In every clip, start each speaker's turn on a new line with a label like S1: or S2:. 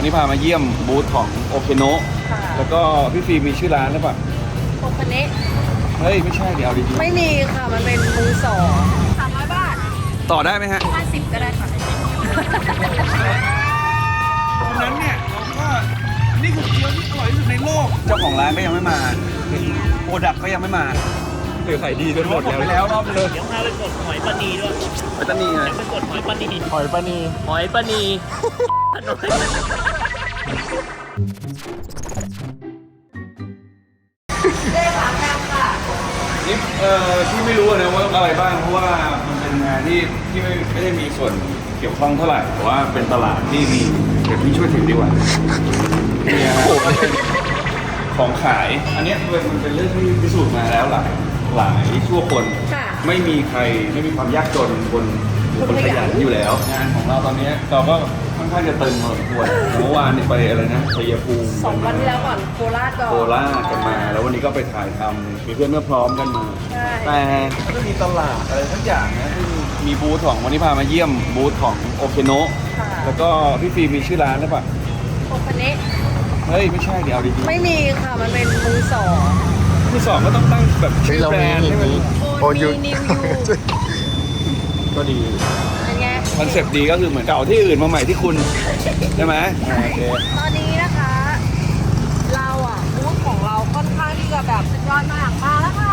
S1: นี้พามาเยี่ยมบูธของโอเคโนะแล้วก็พี่ฟิล์มมีชื่อร้านหรือเปล่า
S2: โอคเนะ
S1: เฮ้ยไม่ใช่เดี๋ยวเอาดี
S2: ไม่มีค่ะมันเป็นมือสอง300 บาท
S1: ๆต่อได้ไหมฮะ
S2: 50ก็ได้ค่ะ
S1: ตรงนั้นเนี่ยผมว่านี่คือเกี๊ยวที่อร่อยที่สุดในโลกเจ้าของร้านก็ยังไม่มาโปรดักก็ยังไม่มาเดี๋ยวขายดีจนหมดแล้วรอบนึง
S3: เดี๋ยวพาไปกดหอยปลานีด้วย
S1: ไปตันนี่ไง
S3: ไปกดหอยปลานี
S4: หอยปลานี
S3: หอยปลานีถนน
S1: นี่ที่ไม่รู้นะว่าอะไรบ้างเพราะว่ามันเป็นงานที่ไม่ได้มีส่วนเกี่ยวข้องเท่าไหร่แต่ว่าเป็นตลาดที่มีเดี๋ยวพี่ช่วยถือดีกว่าเนี่ยฮะของขายอันเนี้ยมันเป็นเรื่องที่พิสูจน์มาแล้วหลายชั่วคน
S2: ค่ะ
S1: ไม่มีใครไม่มีความยากจนบนขยันอยู่แล้ว งานของเราตอนนี้เราก็ค่อนข้างจะตึงพอสมควรเมื่อวานนี่ไปอะไรนะชัยภูมิ
S2: 2 วันที่แล้วก่อนโคราชก่อน
S1: โคราชกันมา แล้ววันนี้ก็ไปถ่ายทำมีเพื่อนเมื่อพร้อมกันมา
S2: ใช่
S1: แต่ก็มีตลาดอะไรทั้งอย่างนะที่มีบูธของวันนี้พามาเยี่ยมบูธของโอเคโนะ
S2: ค่ะ
S1: แล้วก็พี่ฟิล์มมีชื่อร้านหรือเปล่า
S2: โอคเนะ
S1: เฮ้ยไม่ใช่เดี๋ยวเอาดี
S2: ไม่มีค่ะมันเป็นมือสอง
S1: ๆที่สองก็ต้องตั้งแบบชื่อ
S4: เรา
S1: แบร
S4: มี
S1: นด์ให้มัน
S2: โอนิวนิวยู
S1: ก็ดี
S2: เป็นไง
S1: คอนเซปต์ดีก็คือเหมือนเก่าที่อื่นมาใหม่ที่คุณใช่ไหมโอเค
S2: ตอนนี้นะคะ เราอ่ะบูธของเราค่อนข้างที่จะแบบสุดยอดมากมาแล้วค่ะ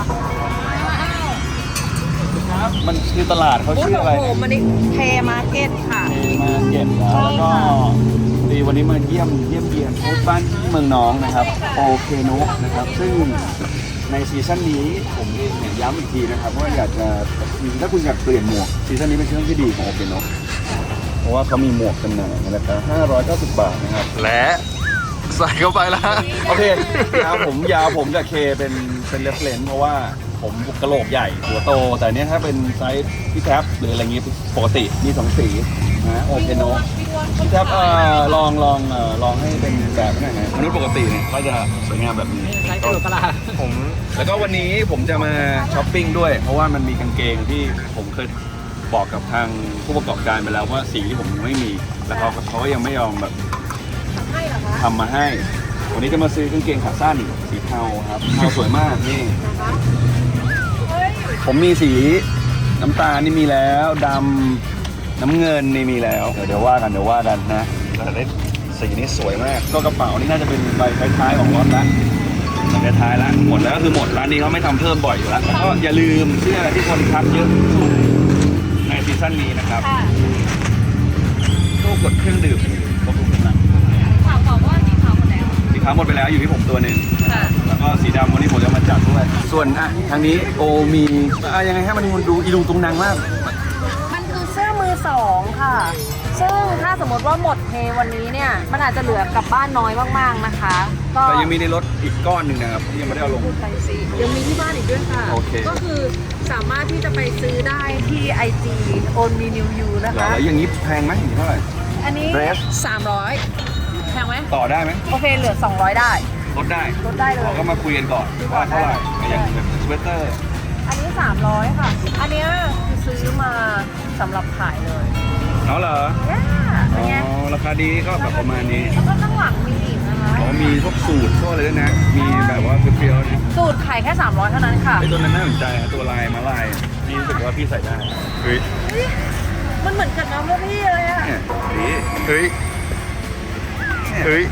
S1: ครับมันคือตลาดเขา
S2: บูธ
S1: ชื่อ
S2: ขอ
S1: อะไร
S2: งผมอันนี้เทมาร์เก็ตค่ะ
S1: มาเก็ตแล้วก็ดีวันนี้มาเยี่ยมเยียนบูธบ้านที่เมืองน้องนะครับโอเคโนะนะครับซึ่งในซีซั่นนี้ผมเองเนี่ยย้ำอีกทีนะครับว่าอยากจะถ้าคุณอยากเปลี่ยนหมวกซีซั่นนี้เป็นซีซั่นที่ดีของโอเคโนะเพราะว่าเขามีหมวกจำหน่ายในราคา590 บาทนะครับ
S4: และใส่เข้าไปแล้ว
S1: โอเคยาวผมกับเคเป็นเรฟเลนเพราะว่าผมกระโหลกใหญ่หัวโตแต่เนี้ยถ้าเป็นไซส์พี่แท็บหรืออะไรเงี้ยปกติมี2สีนะโอเคโนะพี่แท็บลองให้เป็นแบบไหนฮะมนุษย์ปกติเนี่ยก็จะสวยงามแบบนี้
S3: ใช้กระโดดกระลา
S1: ผมแล้วก็วันนี้ผมจะมาช้อปปิ้งด้วย เพราะว่ามันมีกางเกงที่ผมเคยบอกกับทางผู้ประกอบการไปแล้วว่าสีที่ผมยังไม่มีแล้วเขาก็ยังไม่ยอมแบบ
S2: ให้เหรอคะ
S1: ทำมาให้ วันนี้จะมาซื้อกางเกงขาสั้นสีเทาครับเทาสวยมากนี่
S2: นะคะเฮ้ย
S1: ผมมีสีน้ำตาลนี่มีแล้วดำน้ำเงินนี่มีแล้วเดี๋ยวว่ากันนะแต่ได้สีนี้สวยมากก็กระเป๋านี่น่าจะเป็นใบท้ายๆของรถละใบท้ายละหมดแล้วก็คือหมดร้านนี้เขาไม่ทำเพิ่มบ่อยอยู่แล้วแล้วก็อย่าลืมเสื้อที่คนทักเยอะในซีซั่นนี้นะครับ
S2: ค่ะ
S1: ตู้กดเครื่องดื่มบำรุงกำลัง
S2: ถามบอกว่าสีขาวหมดแล้ว
S1: สีขาวหมดไปแล้วอยู่ที่ผมตัวหนึ่ง
S2: ค่ะ
S1: แล้วก็สีดำวันนี้ผมจะมาจัดด้วยส่วนทางนี้โอมียังไงให้มันดูอีลุงตุงนางมาก
S2: มันคือเสื้อมือสองค่ะ ซึ่งถ้าสมมติว่าหมดเทวันนี้เนี่ย มันอาจจะเหลือกลับบ้านน้อยมากๆนะคะ ก็
S1: แต่ยังมีในรถอีกก้อนหนึ่งนะครับที่ยังไม่ได้เอาลง
S2: ไปสิยังมีที่บ้านอีกด้วยค่ะ
S1: โอเค
S2: ก็คือสามารถที่จะไปซื้อได้ที่ IG on me new you นะคะ
S1: แล้วอย่างนี้แพงไหมอย่างนี้เท่าไหร่
S2: อันนี้
S1: Dress
S2: 300แพงไหม
S1: ต่อได้ไหม
S2: โอเคเหลือ 200 ได้
S1: ลดได้
S2: ลดได้เลย
S1: เราก็มาคุยกันก่อนว่าเท่าไหร่อย่างแบบสเวตเตอร์
S2: อันนี้ 300 ค่ะ อันเนี้ยคือซื้อมาสำหรับขายเลย
S1: เนาะเหรอ
S2: ย่าเป็นไง
S1: ราคาดีก็แบบประมาณนี้
S2: แล้วก็ข้างหลังมีอีกนะคะ
S1: เขามีพวกสูตรพวกอะไรด้วยนะ มีแบบว่าเปรี้ยวๆนะ
S2: สูตรขายแค่ 300 เท่านั้นค่ะ
S1: ไอ้ตัวนั้นน่าสนใจนะตัวลายมาลายพี่รู้สึกว่าพี่ใส่ได้เฮ้ย
S2: มันเหมือนกับน้ำลูกพี่เลยอะ
S1: เนี่ยดี
S4: เฮ้ย เฮ้ย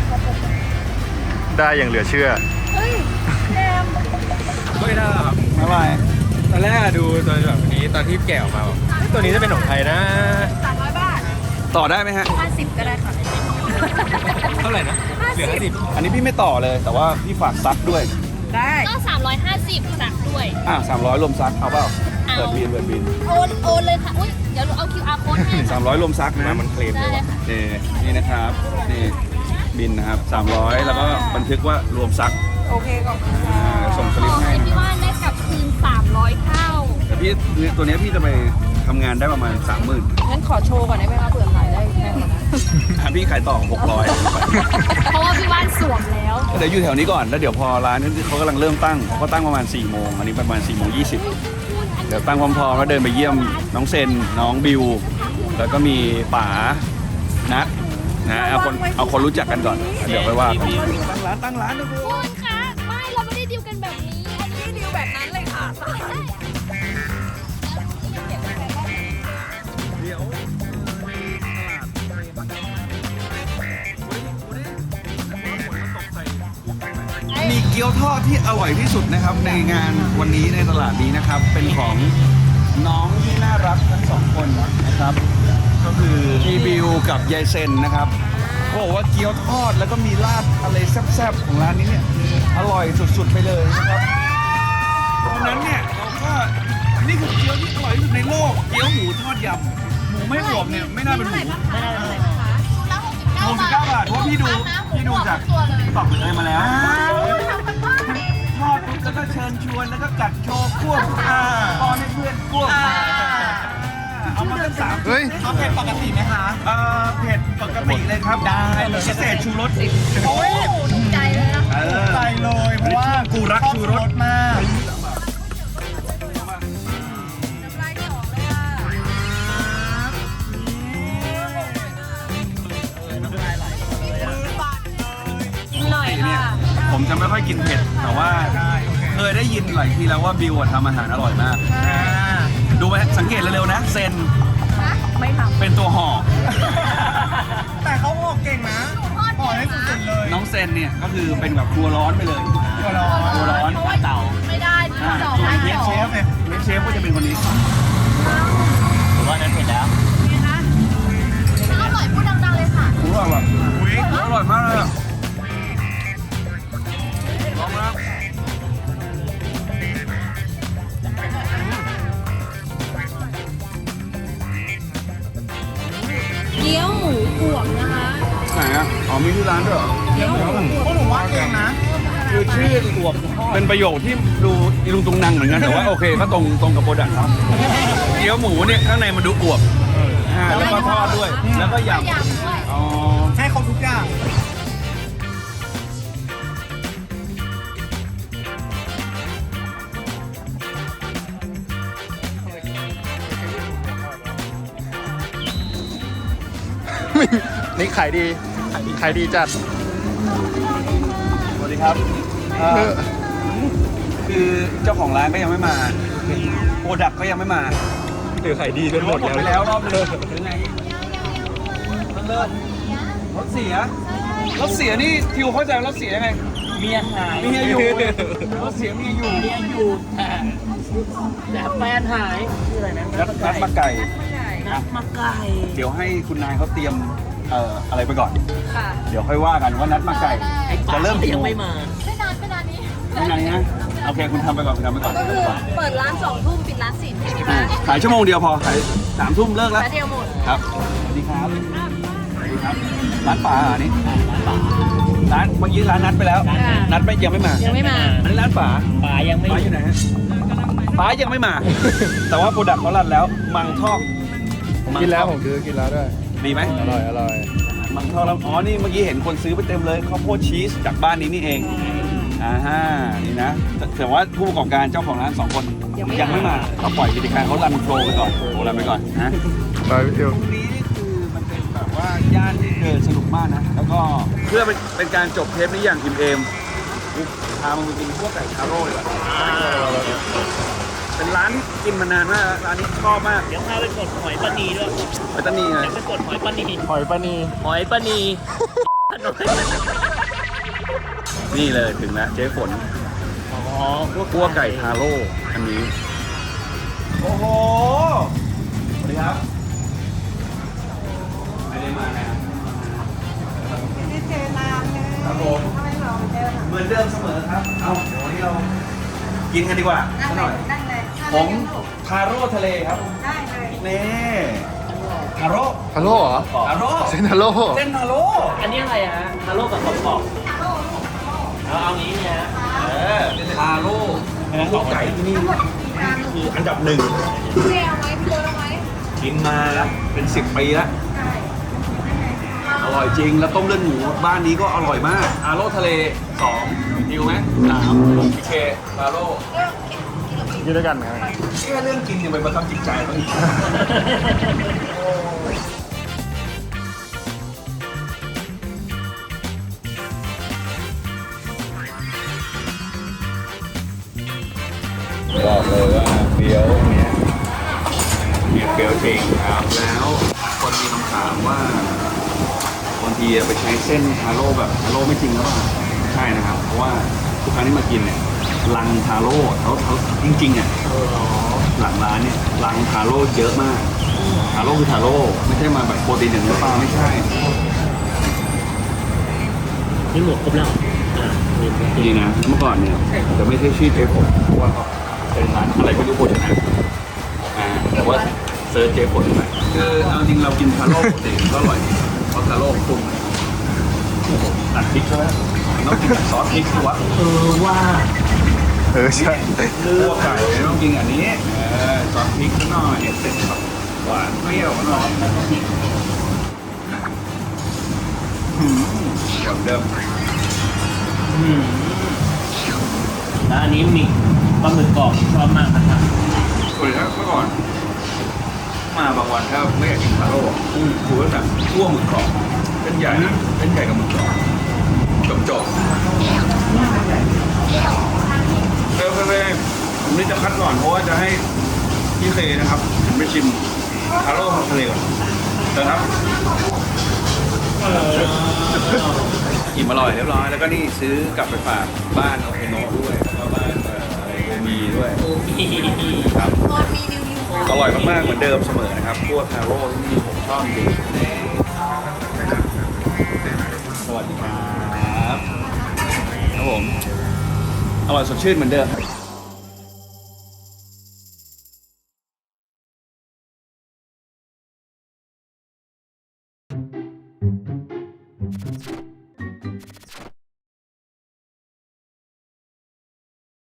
S4: ได้อย่างเหลือเชื่อ
S2: เฮ้ยแอม
S4: ไม่ได้หรอ
S1: มาลาย
S4: ตอนแรกดูตัวแบบนี้ตอนที่แกะออกมาบอกเฮ้ยตัวนี้จะเป็นของใครนะ
S2: 300 บาท
S1: ต่อได้ไหมฮะ
S2: 50 ก็ได้ค่ะ
S4: เท่าไหร่นะ เหลือ50
S1: อันนี้พี่ไม่ต่อเลย แต่ว่าพี่ฝากซักด้วย
S2: ได้
S5: ก็ 350สักด้วย
S1: 300รวมซักเอาเปล่า
S5: เอา
S1: เปิดบิน
S5: โอนเลยค่ะ อุ้ยเดี๋ยวหนูเอา QR code ให้ค่ะ
S1: 300รวมซักนะ
S4: มันเคลม
S5: ได้
S4: เลย
S5: เลย
S4: ว่ะ
S5: ค่ะ
S1: นี่นะครับนี่บินนะครับ300แล้วก็บันทึกว่ารวมซัก
S2: โอเคขอบคุณค่ะ
S1: ส่งส
S5: ข
S1: ลิป
S5: อ
S1: ให้
S5: ให้พี่ว่านได้กลับคืน 300 เท่า
S1: แต่พี่ตัวเนี้ยพี่จะไปทำงานได้ประมาณ 30,000
S2: งั้นขอโชว์ก่อนได้ไหมคะเผื่อขายได้แพงกว่านั้น
S1: พี่ขายต่อ600
S5: เพราะว่าพี่ว่านสวมแล้ว
S1: เดี๋ยวอยู่แถวนี้ก่อนแล้วเดี๋ยวพอร้านนี้เขากำลังเริ่มตั้งเขาตั้งประมาณ4 โมงอันนี้ประมาณ4 โมง 20เดี๋ยวตั้งพร้อมๆแล้วเดินไปเยี่ยมน้องเซนน้องบิวแล้วก็มีป๋านัทนะเอาคนรู้จักกันก่อนเดี๋ยวไปว่ากันตั้งร้านนะ
S5: คุณคะไม่เราไม่ได้ดีลกันแบบนี้ อันนี้ดีลแบบนั้นเลยค่ะใช่
S1: เดี๋ยวมีเกี๊ยวทอดที่อร่อยที่สุดนะครับในงานวันนี้ในตลาดนี้นะครับ เป็นของน้องที่น่ารักทั้งสองคนนะครับ ก็คือพี่บิวกับยายเซนนะครับเขาบอกว่าเกี๊ยวทอดแล้วก็มีราดอะไรแซ่บๆของร้านนี้เนี่ยอร่อยสุดๆไปเลยนะครับตอนนั้นเนี่ยเราก็นี่คือเกี๊ยวที่อร่อยที่สุดในโลกเกี๊ยวหมูทอดยำหมูไม่อวบเนี่ยไม่น่าเป็นหมู 69 บาทเพราะพี่ดูจากตอกเลยมาแล้วทอดปุ๊บแล้วก็เชิญชวนแล้วก็กัดโชว์ควบป้อนให้เพื่อนควบเอามาตั้ง3
S4: เฮ้ย
S1: เอาเผ็ดปกติไหมคะเผ็ดปกติเลยครับได้เลยพิเศษชูรสโอ้ย
S5: ถูกใจเลยนะ
S1: ใจเลยเพราะว่ากูรักชูรสมาก
S2: หน่อยค่ะ
S1: ผมจะไม่ค่อยกินเผ็ดแต่ว่าเคยได้ยินหลายทีแล้วว่าบิวทำอาหารอร่อยมากดูไหมสังเกตเร็วๆนะเซน
S2: ไม่ทำ
S1: เป็นตัวห่อ
S6: แต่เขาห่อเก่งนะห่อได้สุดๆเลย
S1: น้องเซนเนี่ยก็คือเป็นแบบครัวร้อนไปเลย
S6: ตัวร้อน
S1: ครัวร้อน
S3: เต่า
S5: ไม่ได้ที่สอง
S1: ส่วน
S5: ไม่
S1: เชฟ
S5: สอ
S1: เช
S5: ง
S1: ฟเนี่ยเชฟก็จะเป็นคนนี้
S3: ผมว่านั้นเผ็ดแล้ว
S5: อร่อยพูดดังๆเลยค่ะ
S1: อร่อยแบบอร่อยมากเลยอะลองนะ
S2: เกี๊ยวหมูอวบนะคะ
S1: ไหนอ่ะอ๋อมีที่ร้านด้วยเหรอ
S6: พวกหนูว่าเก่งนะ
S1: คือชื่ออวบเป็นประโยคที่ดูอีลุงตุงนังเหมือนกันแต่ว่าโอเคก็ตรงกับโปรดักต์ครับเกี๊ยวหมูเนี่ยข้างในมันดูอวบแล้วก็ทอดด้วยแล้วก็ย
S5: ยำด้วย
S1: ำอ๋อ
S6: ให้เขาทุกอย่าง
S4: นี่ขายดี ขายดีจัด
S1: สวัสดีครับคือเจ้าของร้านก็ยังไม่มาโปรดักต์ก็ยังไม่มา
S4: หรือขายดีจนหมด
S1: หมดไป
S4: แล้ว
S1: แล้วรอบนึงหรือไงเลิศรถเสียรถเสียนี่ทิวเข้าใจรถเสียยังไง
S3: เมียหาย
S1: เมียอยู่รถเสียเมียอยู่
S3: เมียอยู่แต่แฟนหายชื่ออะไรนะ
S1: นัดมาไก่
S3: นัดมาไก่
S1: เดี๋ยวให้คุณนายเขาเตรียมอะไรไปก่อน
S2: ค่ะ
S1: เดี๋ยวค่อยว่ากันว่านัดมาไก่ จะเริ่มกี่
S3: ยั
S1: โม
S3: ง
S1: ง
S3: ไม่มา
S5: ไม่นานนี้
S1: ไม่นานนะโอเคคุณทำไปก่อนคุณทำไปก่อน
S2: ก็คือเปิดร้าน2 ทุ่มปิดร้าน4 ทุ่มนะ
S1: ขายชั่วโมงเดียวพอขาย3 ทุ่มเลิกแล้ว
S2: แล้วเดียวหมด
S1: ครับสวัสดีครับสวัสดีครับร้านป่าอันนี้ร้านเมื่อกี้ร้านนัดไปแล้ว นัดไม่ยังไม่มา
S2: ยังไม่มา
S1: อันนี้ร้านป่า
S3: ป๋ายังไม่
S1: ป้าอยู่ไหนฮะป้ายังไม่มา แต่ว่าโปรดักต์เขารันแล้ว มังทอก
S4: กินแล้วผมซื้อกินแล้วด้วย
S1: ดีไหม
S4: อร่อย อร่อย
S1: มังทอกแล้วอ๋อ นี่เมื่อกี้เห็นคนซื้อไปเต็มเลยข้าวโพดชีสจากบ้านนี้นี่เอง นี่นะ แต่ว่าผู้ประกอบการเจ้าของร้าน2 คนยังไม่มาเราปล่อยกิจการเขารันโฟลว์ไปก่อนโอ้รันไปก่อนนะ
S4: ไปพี่ติว
S1: ตรงนี้นี่คือมันเป็นแบบว่าย่านที่เดินสนุกมากนะ แล้วก็เพื่อเป็นการจบเทปนี้อย่างอิ่มเอมพามากินพวกไก่ทาโร่เลยเป็นร้านกินมานานมากร้านนี้ชอบมาก
S3: เดี๋ยวพาไปกดหอยปลานีด้วย
S1: ไปตันนี่เลย
S3: เดี๋ยวไปกดหอยปลานี
S4: หอยปลานี
S3: หอยปลานีถนน
S1: นี่เลยถึงแล้วเจ๊ฝน
S3: อ๋อ
S1: คั่วไก่ทาโร่อันนี้ โอ้โห สวัสดีครับ ไม่ได้มานะครับครับผมเหมือนเดิมเสมอครับ เอาเดี๋ยววันนี้เรากินกันดีกว่าสักหน่อยผมทาโร่ทะเลครับ ได้เลยนี่ทาโร่
S4: ฮัลโหลเหรอ
S1: ทาโร่
S4: เซนฮัลโหล
S1: เส้นทาโร่
S3: อันนี้อะไรฮะทาโร่กับขอบเอางี้เนี่ยฮะ
S1: ทาโร่คั่วไก่ที่นี่คืออันดับ 1
S5: เรียวไหมพี่โดนเอาไหม
S1: กินมาเป็น10 ปีแล้ว อร่อยจริง แล้วต้มเลือดหมูบ้านนี้ก็อร่อยมากอาโร่ทะเล2ดิวไหม3พีเคอาโร่
S4: กินด้วยกันไง
S1: แค่เรื่องกินยังไปประทับจิตใจเขาอีกบอกเลยว่าเฟี้ยวเนี้ยมีเฟี้ยวจริงครับแล้วคนมีคำถามว่าบางทีไปใช้เส้นทาโร่แบบทาโร่ไม่จริงหรือเปล่าใช่นะครับเพราะว่าทุกครั้งที่มากินเนี่ยลังทาโร่เขาจริงๆอ่ะหลังร้านเนี่ยลังทาโร่เยอะมากทาโร่คือทาโร่ไม่ใช่มาแบบโปรตีนอย่างเนื้อปลาไม่ใช่
S3: นี่หมดครบแล้วมี
S1: ดีนะเมื่อก่อนเนี่ยจะไม่ใช่ชื่อเจผมเพราะว่าเขาเป็นร้านอะไรไม่รู้โภชนะแต่ว่าเซิร์ชเจผลไปคือเอาจริงเรากินทาโร่ปกติก็อร่อยดีเพราะทาโร่ปรุงตัดพริกใช่ไหมต้องกินกับซอสพริกสิวะ
S3: ว่า
S1: ใช่คั่วไก่ต้องกินอันนี้ซอสพริกหน่อยเสร็จแบบหวานเปรี้ยวหน่อยหวานเดิม
S3: แล้วอันนี้มีปลาหมึกกรอบชอบมากนะครับ
S1: ส่วนถ้าเมื่อก่อนมาบางวันถ้าไม่อยากกินทาโร่กูก็สั่งคั่วหมึกกรอบเป็นใหญ่นะเป็นใหญ่กับหมึกกรอบจบเร็วๆผมนี่จะคัดก่อนเพราะว่าจะให้พี่เคนะครับไปชิมทาโร่ทะเลก่อนแต่ครับอิ่มอร่อยเรียบร้อยแล้วก็นี่ซื้อกลับไปฝากบ้านโอเคโนด้วยแล้วก็บ้านมีด้วยครับ อร่อยมากๆเหมือนเดิมเสมอนะครับพวกทาโร่ที่ผมชอบจริงสวัสดีครับครับผมอร่อยสดชื่นเหมือนเดิม